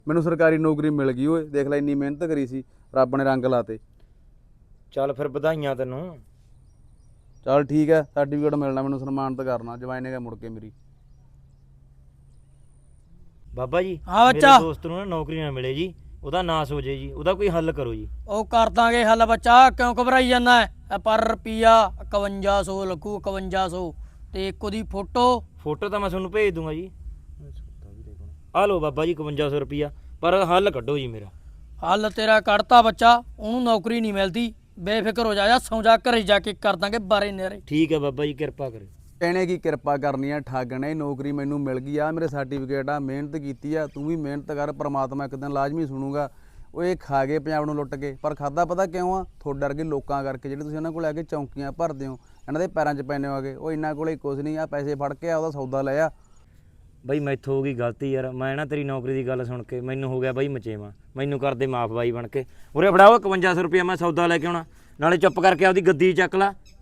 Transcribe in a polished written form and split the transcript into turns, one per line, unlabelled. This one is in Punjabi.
ਮੈਨੂੰ ਸਰਕਾਰੀ ਨੌਕਰੀ ਮਿਲ ਗਈ ਓਏ, ਦੇਖ ਲੈ ਇੰਨੀ ਮਿਹਨਤ ਕਰੀ ਸੀ, ਰੱਬ ਨੇ ਰੰਗ ਲਾਤੇ।
ਚੱਲ ਫਿਰ ਵਧਾਈਆਂ ਤੈਨੂੰ।
ਚੱਲ ਠੀਕ ਹੈ, ਸਰਟੀਫਿਕੇਟ ਮਿਲਣਾ ਮੈਨੂੰ, ਸਨਮਾਨਿਤ ਕਰਨਾ ਜਵਾਈ ਨੇ ਮੁੜ ਕੇ ਮੇਰੀ।
ਬਾਬਾ ਜੀ
ਹਾਂ
ਮੇਰੇ
ਬੱਚਾ।
ਦੋਸਤ ਨੂੰ ਨਾ ਨੌਕਰੀ ਨਾ ਮਿਲੇ ਜੀ, ਉਹਦਾ ਨਾਸ ਹੋ ਜੇ ਜੀ, ਉਹਦਾ ਕੋਈ ਹੱਲ ਕਰੋ ਜੀ।
ਉਹ ਕਰ ਦਾਂਗੇ ਹੱਲ ਬੱਚਾ, ਕਿਉਂ ਘਬਰਾਈ ਜਾਂਦਾ ਹੈ? ਪਰ ਰੁਪਈਆ 5100 ਲੱਗੂ, 5100 ਤੇ ਇੱਕ ਉਹਦੀ ਫੋਟੋ।
ਫੋਟੋ ਤਾਂ ਮੈਂ ਤੁਹਾਨੂੰ ਭੇਜ ਦੂੰਗਾ ਜੀ। ਆ ਲਓ ਬਾਬਾ ਜੀ 5100 ਰੁਪਈਆ, ਪਰ ਹੱਲ ਕੱਢੋ ਜੀ ਮੇਰਾ।
ਹੱਲ ਤੇਰਾ ਕੱਢਤਾ ਬੱਚਾ, ਉਹਨੂੰ ਨੌਕਰੀ ਨਹੀਂ ਮਿਲਦੀ, ਬੇਫਿਕਰ ਹੋ ਜਾ, ਸੌਂ ਜਾ, ਘਰੇ ਜਾ ਕੇ ਕਰ ਦਾਂਗੇ ਬਾਰੇ ਨੇਰੇ।
ਠੀਕ ਹੈ ਬਾਬਾ ਜੀ, ਕਿਰਪਾ ਕਰੇ।
ਇਹਨੇ ਕੀ ਕਿਰਪਾ ਕਰਨੀ ਆ, ਠੱਗ ਨੇ। ਨੌਕਰੀ ਮੈਨੂੰ ਮਿਲ ਗਈ ਆ, ਮੇਰੇ ਸਰਟੀਫਿਕੇਟ ਆ, ਮਿਹਨਤ ਕੀਤੀ ਆ, ਤੂੰ ਵੀ ਮਿਹਨਤ ਕਰ, ਪ੍ਰਮਾਤਮਾ ਇੱਕ ਦਿਨ ਲਾਜ਼ਮੀ ਸੁਣੂਗਾ। ਉਹ ਇਹ ਖਾ ਗਏ ਪੰਜਾਬ ਨੂੰ ਲੁੱਟ ਕੇ, ਪਰ ਖਾਦਾ ਪਤਾ ਕਿਉਂ ਆ? ਤੁਹਾਡੇ ਵਰਗੇ ਲੋਕਾਂ ਕਰਕੇ, ਜਿਹੜੇ ਤੁਸੀਂ ਉਹਨਾਂ ਕੋਲ ਆ ਕੇ ਚੌਂਕੀਆਂ ਭਰਦੇ ਹੋ, ਇਹਨਾਂ ਦੇ ਪੈਰਾਂ 'ਚ ਪੈਨੇ ਹੋਗੇ। ਉਹ ਇਹਨਾਂ ਕੋਲੇ ਕੁਝ ਨਹੀਂ ਆ, ਪੈਸੇ ਫੜ ਕੇ ਆ, ਉਹਦਾ ਸੌਦਾ ਲੈ ਆ।
ਬਾਈ ਮੈਥੋਂ ਹੋ ਗਈ ਗਲਤੀ ਯਾਰ, ਮੈਂ ਨਾ ਤੇਰੀ ਨੌਕਰੀ ਦੀ ਗੱਲ ਸੁਣ ਕੇ ਮੈਨੂੰ ਹੋ ਗਿਆ ਬਾਈ ਮਚੇਵਾ, ਮੈਨੂੰ ਕਰ ਦੇ ਮਾਫ ਬਾਈ ਬਣ ਕੇ। ਉਰੇ ਫੜਾਓ 5100 ਰੁਪਇਆ, ਮੈਂ ਸੌਦਾ ਲੈ ਕੇ ਆਉਣਾ, ਨਾਲੇ ਚੁੱਪ ਕਰਕੇ ਆਪਦੀ ਗੱਦੀ ਚੱਕ ਲਾ।